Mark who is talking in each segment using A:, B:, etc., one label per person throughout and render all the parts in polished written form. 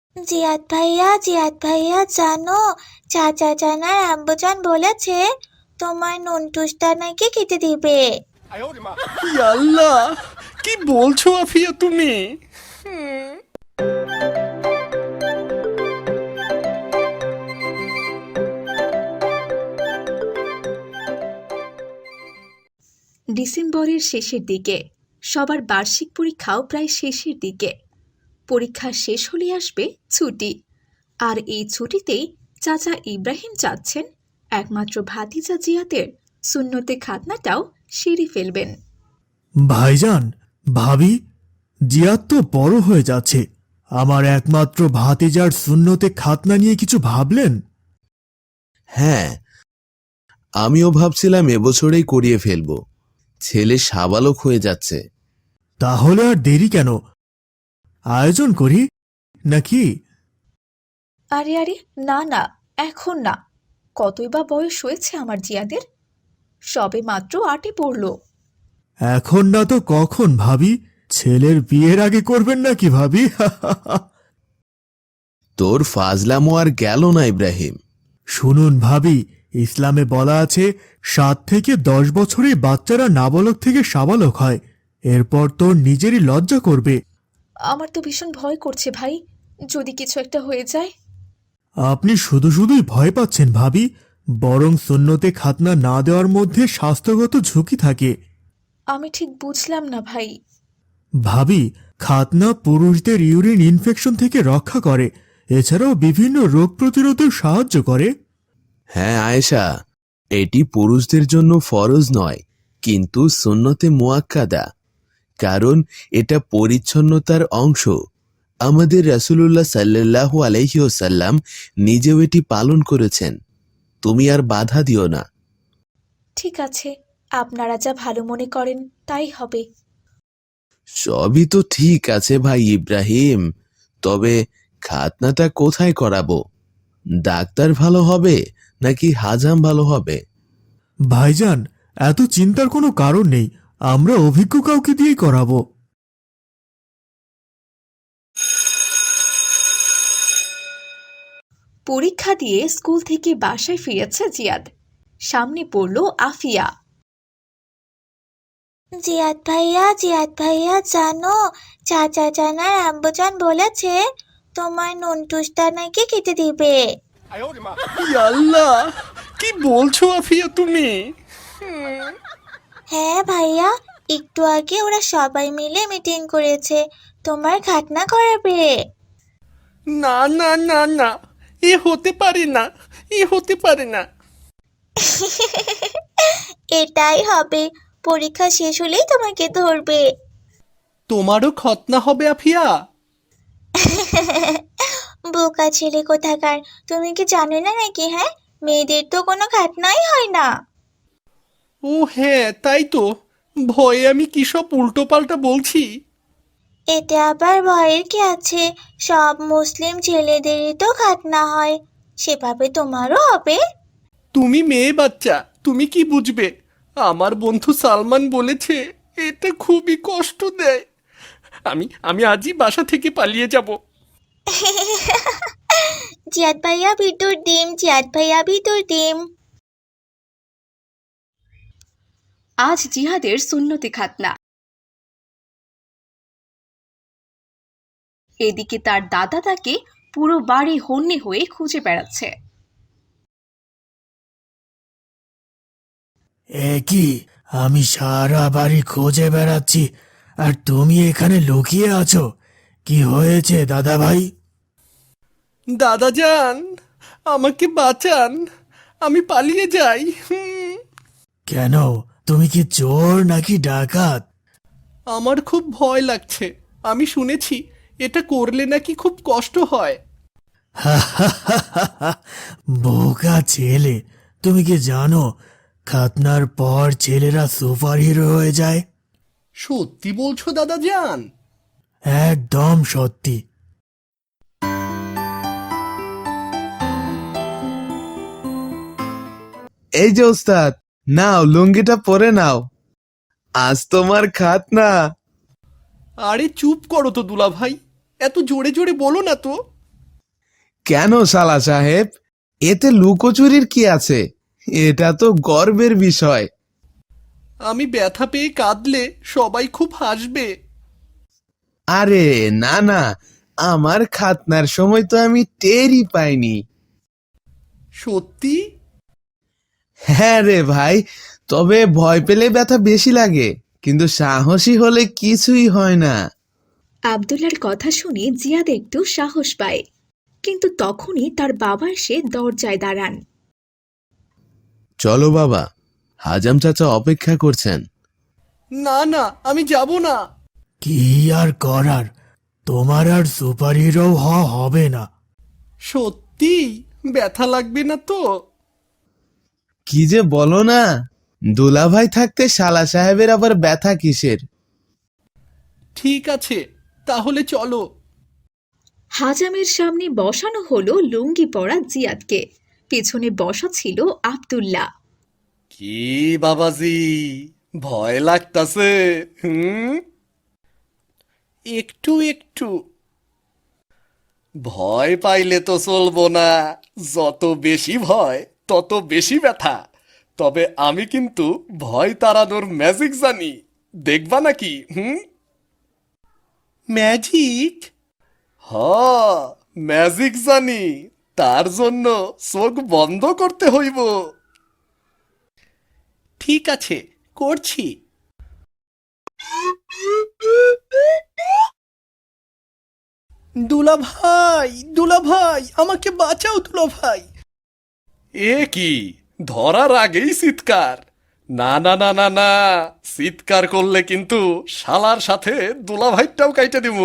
A: জিয়াদ ভাইয়া জানো, চাচা জান আর আব্বুজান বলেছে তোমার নুনটুসটা নাকি খেতে দিবে।
B: আল্লাহ, কি বলছো আফিয়া তুমি?
C: ডিসেম্বরের শেষের দিকে সবার বার্ষিক পরীক্ষাও প্রায় শেষের দিকে। পরীক্ষা শেষ হলে আসবে ছুটি, আর এই ছুটিতেই চাচা ইব্রাহিম চাচ্ছেন একমাত্র ভাতিজা জিয়াদের সুন্নতে খাতনাটাও সেরে ফেলবেন।
D: ভাইজান, ভাবি, জিয়াদ তো বড় হয়ে যাচ্ছে, আমার একমাত্র ভাতিজার সুন্নতে খাতনা নিয়ে কিছু ভাবলেন?
E: হ্যাঁ, আমিও ভাবছিলাম এবছরেই করিয়ে ফেলব। ছেলে সাবালক হয়ে যাচ্ছে।
D: তাহলে আর দেরি কেন, আয়োজন করি নাকি?
C: আরে আরে, না না, এখন না। কতই বা বয়স হয়েছে আমার জিয়াদের? সবে মাত্র 8-এ পড়ল।
D: এখন না তো কখন ভাবি? ছেলের বিয়ের আগে করবেন নাকি ভাবি?
E: তোর ফাজলামো আর গেল না ইব্রাহিম।
D: শুনুন ভাবি, ইসলামে বলা আছে 7 থেকে 10 বছরে বাচ্চারা নাবালক থেকে সাবালক হয়, এরপর তোর নিজেরই লজ্জা করবে।
C: আমার তো ভীষণ ভয় করছে ভাই, যদি কিছু একটা হয়ে যায়।
D: আপনি শুধু শুধুই ভয় পাচ্ছেন ভাবি, বরং সুন্নতে খাতনা না দেওয়ার মধ্যে স্বাস্থ্যগত ঝুঁকি থাকে।
C: আমি ঠিক বুঝলাম না ভাই।
D: ভাবি, খাতনা পুরুষদের ইউরিন ইনফেকশন থেকে রক্ষা করে, এছাড়াও বিভিন্ন রোগ প্রতিরোধে সাহায্য করে।
E: হ্যাঁ আয়েশা, এটি পুরুষদের জন্য ফরজ নয়, কিন্তু সুন্নতে মুআক্কাদা, কারণ এটা পরিচ্ছন্নতার অংশ। আমাদের রাসূলুল্লাহ সাল্লাল্লাহু আলাইহি ওয়াসাল্লাম নিজেও এটি পালন করেছেন। তুমি আর বাধা দিও না।
C: ঠিক আছে, আপনারা যা ভালো মনে করেন তাই হবে।
E: সবই তো ঠিক আছে ভাই ইব্রাহিম, তবে খাতনাটা কোথায় করাবো? ডাক্তার ভালো হবে নাকি হাজাম ভালো হবে?
D: ভাইজান, এত চিন্তার কোনো কারণ নেই, আমরা অভিজ্ঞ কাউকে দিয়েই করাবো।
C: পরীক্ষা দিয়ে স্কুল থেকে বাসায় ফিরেছে জিয়াদ। সামনে পড়ল আফিয়া।
A: জিয়াদ ভাইয়া জানো, চাচা জান আর আব্বুজান বলেছে তোমার নুনটুসটা নাকি খেতে দিবে।
B: আল্লাহ, কি বলছো আফিয়া তুমি?
A: হ্যাঁ ভাইয়া, একটু আগে ওরা সবাই মিলে মিটিং করেছে, তোমার খাতনা করাবে।
B: না না না না, এ হতে পারে না, এ হতে পারে না।
A: এটাই হবে, পরীক্ষা শেষ হলেই তোমাকে ধরবে।
B: তোমারও খতনা হবে আফিয়া?
A: বোকা ছেলে কোথাকার, তুমি কি জানো না নাকি? হ্যাঁ, মেয়েদের তো কোনো খাতনাই হয় না।
B: ও হ্যাঁ, তাই তো, ভয়ে আমি কি সব উল্টো পাল্টা বলছি।
A: এতে আবার ভয়ের কি আছে, সব মুসলিম ছেলেদেরই তো খাতনা হয়, সেভাবে তোমারও হবে।
B: তুমি মেয়ে বাচ্চা, তুমি কি বুঝবে? আমার বন্ধু সালমান বলেছে এটা খুবই কষ্ট দেয়। আমি আজই বাসা থেকে পালিয়ে যাব।
A: জিয়াদ ভাইয়া ভিতর ডিম।
C: আজ জিহাদের সুন্নতে খাতনা। এদিকে তার দাদা তাকে পুরো বাড়ি হন্যে হয়ে খুঁজে বেড়াচ্ছে।
D: এ কি, আমি সারা বাড়ি খুঁজে বেড়াচ্ছি আর তুমি এখানে লুকিয়ে আছো? কি হয়েছে দাদা ভাই?
B: দাদা যান, আমাকে বাঁচান, আমি পালিয়ে যাই।
D: কেন, তুমি কি চোর নাকি ডাকাত?
B: আমার খুব ভয় লাগছে, আমি শুনেছি এটা করলে নাকি খুব কষ্ট হয়।
D: বোকা ছেলে, তুমি কি জানো খাতনার পর ছেলেরা সুপার হিরো হয়ে যায়?
B: সত্যি বলছো দাদা যান?
D: একদম সত্যি।
E: এই যে ওস্তাদ, নাও লুঙ্গিটা পরে নাও, আজ তোমার খাতনা।
B: আরে চুপ করো তো দুলা ভাই, এত জোরে জোরে বলো না তো।
E: কেন শালা সাহেব, এতে লুকোচুরির কি আছে? এটা তো গর্বের বিষয়।
B: আমি ব্যথা পেয়ে কাঁদলে সবাই খুব হাসবে।
E: আরে না না, আমার খাতনার সময় তো আমি টেরই পাইনি।
B: সত্যি?
E: হ্যাঁ রে ভাই, তবে ভয় পেলে ব্যথা বেশি লাগে, কিন্তু সাহসী হলে কিছুই হয় না।
C: আবদুল্লার কথা শুনে জিয়াদ একটু সাহস পায়, কিন্তু তখনই তার বাবা এসে দরজায় দাঁড়ান।
E: চলো বাবা, হাজাম চাচা অপেক্ষা করছেন।
B: না না, আমি যাব না।
D: কি আর করার, তোমার আর সুপার হিরো হওয়া হবে না।
B: সত্যি ব্যথা লাগবে না তো?
E: কি যে বলো না, দুলাভাই থাকতে শালা সাহেবের আবার ব্যথা কিসের?
B: ঠিক আছে, তাহলে চলো।
C: হাজামের সামনে বসানো হলো লুঙ্গি পরা জিয়াদকে, পেছনে বসা ছিল আবদুল্লাহ।
B: কি বাবাজি, ভয় লাগতাছে? হুম, একটু একটু। ভয় পাইলে তো চলবো না, যত বেশি ভয় তত বেশি ব্যথা। তবে আমি কিন্তু ভয় তাড়ানোর ম্যাজিক জানি, দেখবা নাকি? ম্যাজিক? হ, ম্যাজিক জানি, তার জন্য চোখ বন্ধ করতে হইব। ঠিক আছে, করছি। দুলাভাই, দুলাভাই, আমাকে বাঁচাও দুলাভাই। এ কি, ধরার আগেই চিৎকার? না না না না না, চিৎকার করলে কিন্তু শালার সাথে দুলাভাইটাও কাইটে দিব।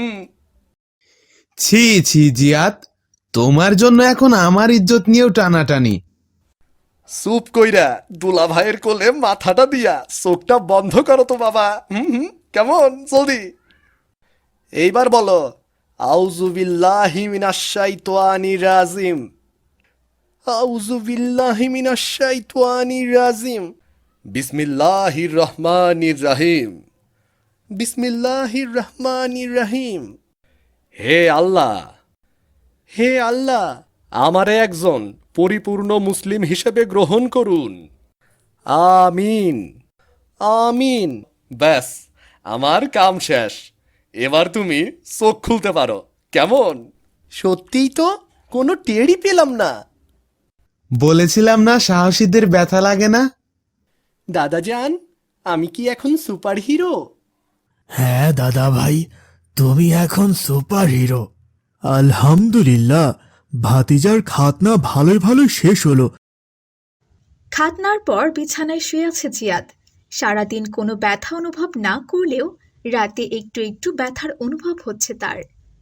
E: ছি ছি জিয়াত, তোমার জন্য এখন আমার ইজ্জত নিয়েও টানাটানি।
B: চুপ কইরা দুলাভাইয়ের কোলে মাথাটা দিয়া চোখটা বন্ধ করো তো বাবা। কেমন, জলদি। এইবার বলো, আউযু বিল্লাহি মিনাশ শাইতানির রাজিম। আউযু বিল্লাহি মিনাশ শাইতানির রাজিম। বিসমিল্লাহির রহমানির রহিম। বিসমিল্লাহির রহমানির রহিম। হে আল্লাহ, হে আল্লাহ, আমারে একজন পরিপূর্ণ মুসলিম হিসেবে গ্রহণ করুন। আমিন, আমিন। ব্যাস, আমার কাম শেষ। এবার তুমি চোখ খুলতে পারো। কেমন? সত্যিই তো কোনো টেরই পেলাম না।
E: বলেছিলাম না সাহসীদের ব্যথা লাগে না।
B: দাদাজান, আমি কি এখন সুপার হিরো?
D: হ্যাঁ দাদা ভাই, তুমি এখন সুপার হিরো। আলহামদুলিল্লাহ, ভাতিজার খাতনা ভালোই ভালোই শেষ হলো।
C: খাতনার পর বিছানায় শুয়ে আছে জিয়াদ। সারাদিন কোনো ব্যথা অনুভব না করলেও রাতে একটু একটু ব্যথার অনুভব হচ্ছে তার।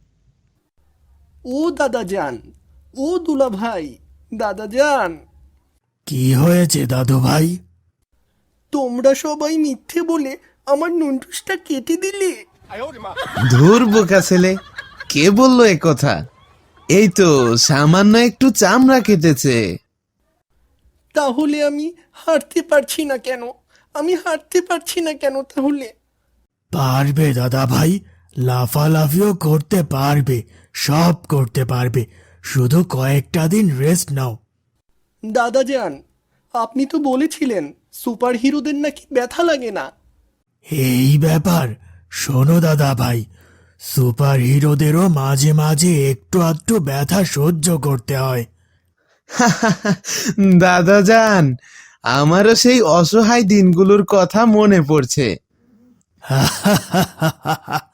B: ও দাদাজান, ও দুলাভাই, দাদাজান,
D: কি হয়েছে দাদু ভাই?
B: তোমরা সবাই মিথ্যে বলে আমার নুনটুসটা কেটে দিলে।
E: ধুর বোকা ছেলে, কে বললো এ কথা? এই তো সামান্য একটু চামড়া কেটেছে।
B: তাহলে আমি হাঁটতে পারছি না কেন? আমি হাঁটতে পারছি না কেন তাহলে?
D: পারবে দাদা ভাই, লাফালাফিও করতে পারবে, সব করতে পারবে। শুধু কয়েকটা দিন রেস্ট নাও।
B: দাদাজান, আপনি তো বলেছিলেন সুপার হিরোদের নাকি ব্যথা লাগে না।
D: এই ব্যাপার, শোনো দাদা ভাই, সুপার হিরোদেরও মাঝে মাঝে একটু আধটু ব্যথা সহ্য করতে হয়।
E: দাদা যান, আমারও সেই অসহায় দিনগুলোর কথা মনে পড়ছে।